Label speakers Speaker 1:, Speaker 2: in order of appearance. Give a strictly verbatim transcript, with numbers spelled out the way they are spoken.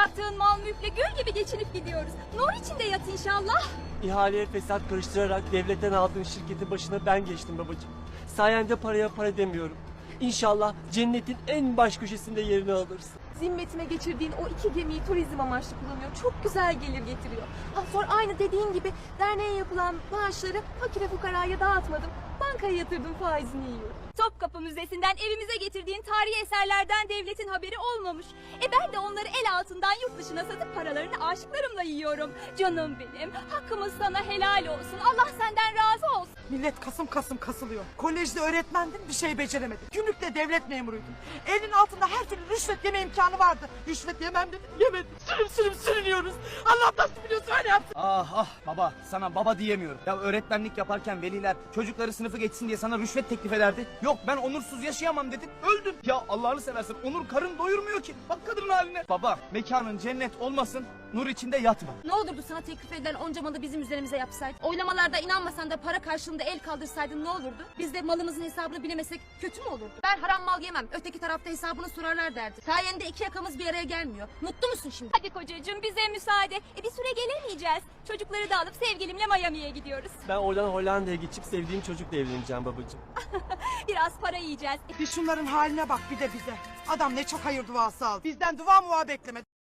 Speaker 1: bıraktığın mal mülkle gül gibi geçinip gidiyoruz. Nur içinde yat inşallah.
Speaker 2: İhaleye fesat karıştırarak devletten aldığın şirketin başına ben geçtim babacığım. Sayende paraya para demiyorum. İnşallah cennetin en baş köşesinde yerini alırsın.
Speaker 3: Zimmetime geçirdiğin o iki gemiyi turizm amaçlı kullanıyor. Çok güzel gelir getiriyor. Ha, sonra aynı dediğin gibi derneğe yapılan bağışları fakire fukaraya dağıtmadım. Bankaya yatırdım, faizini yiyorum.
Speaker 1: Topkapı Müzesi'nden evimize getirdiğin tarihi eserlerden devletin haberi olmamış. E ben de onları el altından yurt dışına satıp paralarını aşıklarımla yiyorum. Canım benim, hakkımız sana helal olsun. Allah senden razı olsun.
Speaker 4: Millet kasım kasım kasılıyor. Kolejde öğretmendin, bir şey beceremedin. Gümrükte devlet memuruydun. Elinin altında her türlü rüşvet yeme imkanı vardı. Rüşvet yemem dedin, yemedin. Sürüm sürüm sürünüyoruz. Allah nasıl biliyorsa öyle yapsın.
Speaker 5: Ah ah baba, sana baba diyemiyorum. Ya öğretmenlik yaparken veliler çocukları sınıfı geçsin diye sana rüşvet teklif ederdi. Yok ben onursuz yaşayamam dedin, öldün. Ya Allah'ını seversen onur karın doyurmuyor ki. Bak kadının haline. Baba, mekanın cennet olmasın, nur içinde yatma.
Speaker 3: Ne olurdu sana teklif edilen onca malı bizim üzerimize yapsaydın? Oylamalarda inanmasan da para karşılığında el kaldırsaydın ne olurdu? Biz de malımızın hesabını bilemesek kötü mü olurdu? Ben haram mal yemem. Öteki tarafta hesabını sorarlar derdi. Sayende iki yakamız bir araya gelmiyor. Mutlu musun şimdi?
Speaker 1: Hadi kocacığım bize müsaade. E bir süre gelemeyeceğiz. Çocukları da alıp sevgilimle Miami'ye gidiyoruz.
Speaker 2: Ben oradan Hollanda'ya geçip sevdiğim çocukla evleneceğim babacığım.
Speaker 1: Biraz para yiyeceğiz.
Speaker 4: Bir şunların haline bak, bir de bize. Adam ne çok hayır duası aldı. Bizden dua muva beklemedi.